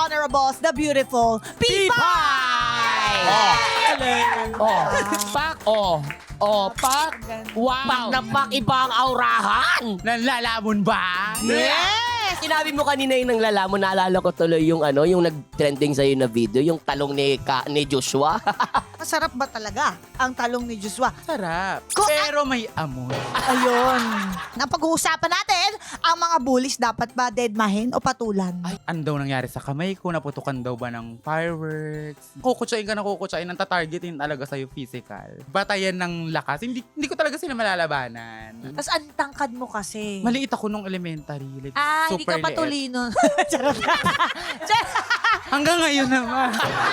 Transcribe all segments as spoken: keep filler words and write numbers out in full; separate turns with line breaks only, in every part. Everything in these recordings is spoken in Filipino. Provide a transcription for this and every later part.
honorables, the beautiful Pipay!
Oh. Oh, pak, oh. Oh, pak. Wow.
Pak na pak, iba ang aurahan.
Nanlalamon ba?
Yes!
Sinabi mo kanina yung nanglalamon, naalala ko tuloy yung ano, yung nag-trending sa'yo na video, yung talong ni, Ka, ni Joshua.
Masarap ba talaga ang talong ni Joshua?
Sarap.
Ko-
Pero may amoy.
Ayun. Napag-uusapan natin, ang mga bullies dapat ba deadmahin o patulan?
Ay, ano daw nangyari sa kamay ko? Naputukan daw ba ng fireworks? Kukutsain ka na kukutsain, ang tatargetin talaga sa'yo physical. Batayan ng lakas. Hindi, hindi ko talaga sila malalabanan.
Tapos ang tangkad mo kasi.
Maliit ako nung elementary. Like,
Ah, hindi
super
ka
liit.
patulino. Charot.
Hanggang ngayon naman.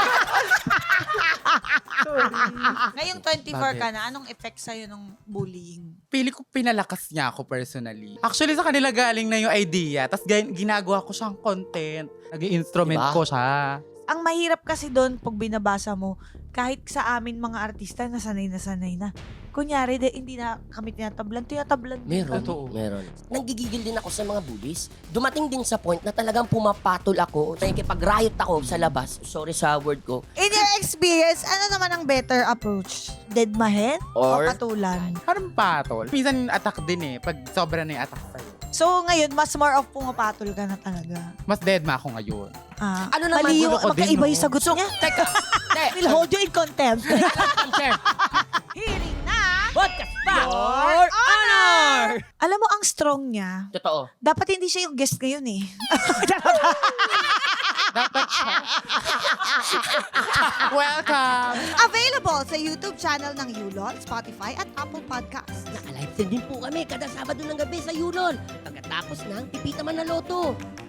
Ngayong twenty-four
Bakit?
ka na, anong effect sa'yo ng bullying?
Pili ko pinalakas niya ako personally. Actually, sa kanila galing na yung idea. Tapos ginagawa ko siyang content. Nag-instrument
Diba?
ko siya.
Ang mahirap kasi doon pag binabasa mo, kahit sa amin mga artista, nasanay na sanay na. Kunyari, de, hindi na kami tinatablan, tinatablan. din
Meron,
kami.
Totoo.
meron. Nanggigigil din ako sa mga bullies. Dumating din sa point na talagang pumapatol ako, nakikipag-riot ako sa labas. Sorry sa word ko.
In your experience, ano naman ang better approach? Deadmahin o
Or-
patulan?
Parang patol. Minsan attack din eh. Pag sobra na yung attack sa'yo.
So ngayon, mas more of pumapatol ka na talaga.
Mas dead ma ako ngayon.
Ah,
Ano naman,
mali yung,
gulo ko din,
magkaiba
no?
yung sagot niya.
Teka, te,
We'll hold you in contempt.
sir.
Hearing na
Podcast pa!
Your Honor! Alam mo, ang strong niya,
Totoo.
dapat hindi siya yung guest ngayon eh.
Dapat siya. Welcome!
Available sa YouTube channel ng Yulon, Spotify at Apple Podcasts.
Naka-live stream din po kami kada Sabado ng gabi sa Yulon. Pagkatapos ng Pipita Man na Loto.